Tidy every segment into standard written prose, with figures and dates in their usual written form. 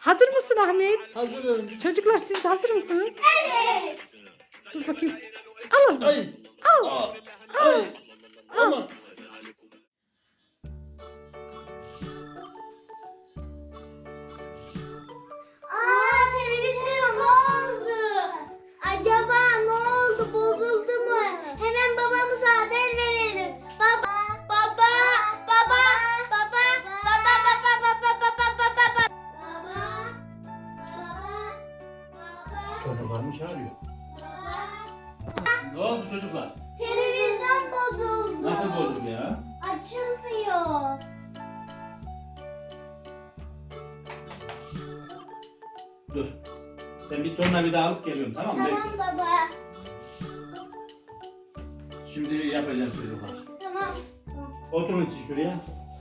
Hazır mısın Ahmet? Hazırım. Çocuklar siz de hazır mısınız? Evet. Dur bakayım. Al onu. Ay. Al. Aa, Al. ay. Ama. Televizyon ne oldu? Acaba ne oldu? Bozuldu mu? Hemen babamıza haber verelim. Baba, baba, baba, baba, baba, baba, baba, baba, baba, baba. Çocuklar mı çağırıyor? Ne oldu çocuklar? Televizyon bozuldu. Nasıl bozuldu ya? Açılmıyor. Dur. Ben bir tornavida alıp geliyorum, tamam mı? Tamam Bekle. baba. Şimdi yapacağım çocuklar. Tamam. Oturun siz şuraya.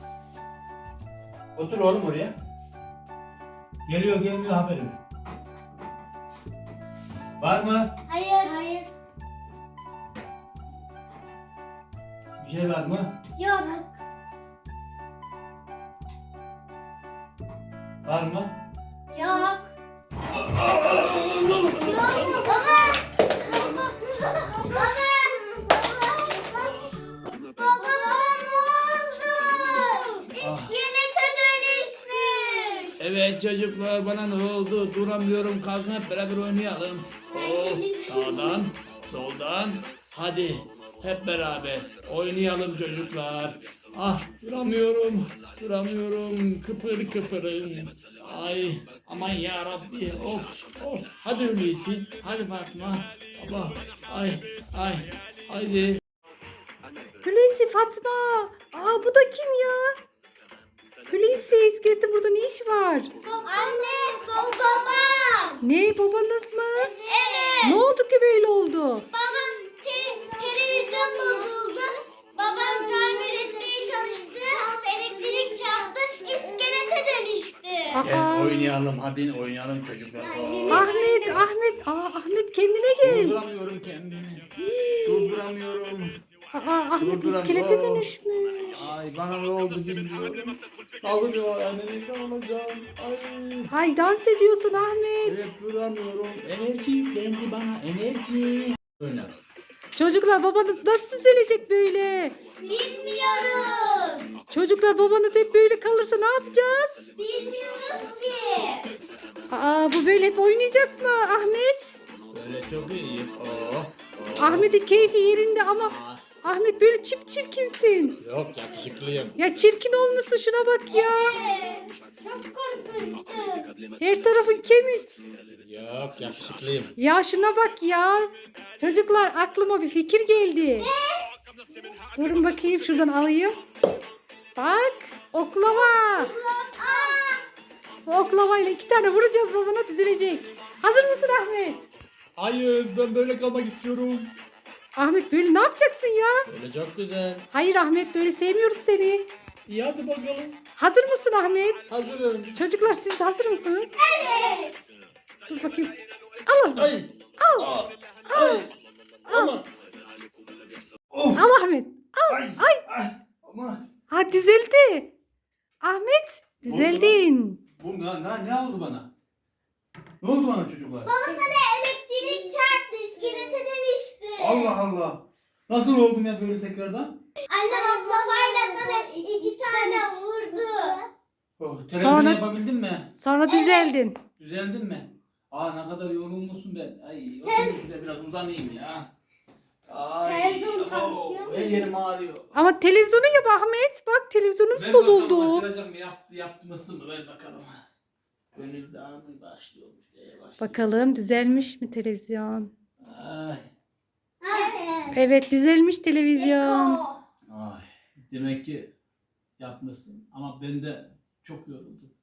Otur oğlum oraya. Geliyor gelmiyor haberim. Var mı? Hayır. Hayır. Bir şey var mı? Yok. Var mı? Yok. Yok. Baba. Baba. Baba ne oldu? İskelete dönüşmüş. Evet çocuklar, bana ne oldu? Duramıyorum, kalkın hep beraber oynayalım. Oh, sağdan, soldan. Hadi hep beraber oynayalım çocuklar. Ah, duramıyorum, kıpır kıpırım. Ay, aman ya Rabbi, of. Hadi öyleyse, hadi Fatma. Baba, ay, haydi. Hulusi, Fatma. Aa, bu da kim ya? Hulusi, iskelette burada ne iş var? Anne, babam. Ne, babanız mı? Evet. Ne oldu ki böyle oldu? Babam televizyon bozuldu. Babam tamir etmeye çalıştı. Elektrik çarptı. İskelete dönüştü. Aa, Oynayalım, hadi oynayalım çocuklar. Ahmet. Ahmet kendine gel. Durduramıyorum kendimi. Durduramıyorum. Ahmet Durduram- iskelete Oh. dönüşmüş. Ay, bana ne oldu bilmiyorum. Ağlıyor, anne insan olacağım. Ay. Ay, dans ediyorsun Ahmet. Evet, duramıyorum. Enerji yüklendi bana, enerji. Oyna. Çocuklar, babanız nasıl düzelecek böyle? Bilmiyoruz. Çocuklar, babanız hep böyle kalırsa ne yapacağız? Bilmiyoruz ki. Bu böyle hep oynayacak mı Ahmet? Böyle çok iyi. Oh. Ahmet'in keyfi yerinde ama Ah, Ahmet böyle çirkinsin. yok, yakışıklıyım. Ya çirkin olmuşsun, şuna bak ya. Çok korkunçtu. Her tarafın kemik. Yok, yakışıklıyım. Ya şuna bak ya. Çocuklar, aklıma bir fikir geldi. Durun bakayım, şuradan alayım. Bak, oklava. Bu oklavayla 2 tane vuracağız, babana düzelecek. Hazır mısın Ahmet? Hayır, ben böyle kalmak istiyorum. Ahmet, böyle ne yapacaksın ya? Böyle çok güzel. Hayır Ahmet, böyle sevmiyoruz seni. İyi, hadi bakalım. Hazır mısın Ahmet? Hazırım. Çocuklar, siz de hazır mısınız? Evet. Dur bakayım. Al onu. Ay. Al. Aa, Al. ay. Ama. Of. Al Ahmet. Ay. Ama. Ha, düzeldi. Ahmet, düzeldin. Bu ne oldu bana? Ne oldu bana çocuklar? Baba sana elektrik çarptı. İskelete dönüştü. Allah Allah. Nasıl oldum ya böyle tekrardan? Annem oklavayla sana 2 tane vurdu. Oh, televizyon Sonra- yapabildin mi? Sonra düzeldin. Düzeldin mi? Ne kadar yorulmuşsun ben. Ay, oturayım şurada biraz uzanayım ya. Ay, Televizyon çalışıyor mu? her yerim ağrıyor. Ama televizyonu yap Ahmet. Bak, televizyonumuz Ver bakalım, bozuldu. açılacak mı? Yapmışsın mı? Ver bakalım. Gönül dağını başlıyormuş. Bakalım düzelmiş mi televizyon? Ay, Evet. Evet, düzelmiş televizyon. Eko. ay. Demek ki yapmışsın. Ama ben de çok yoruldum.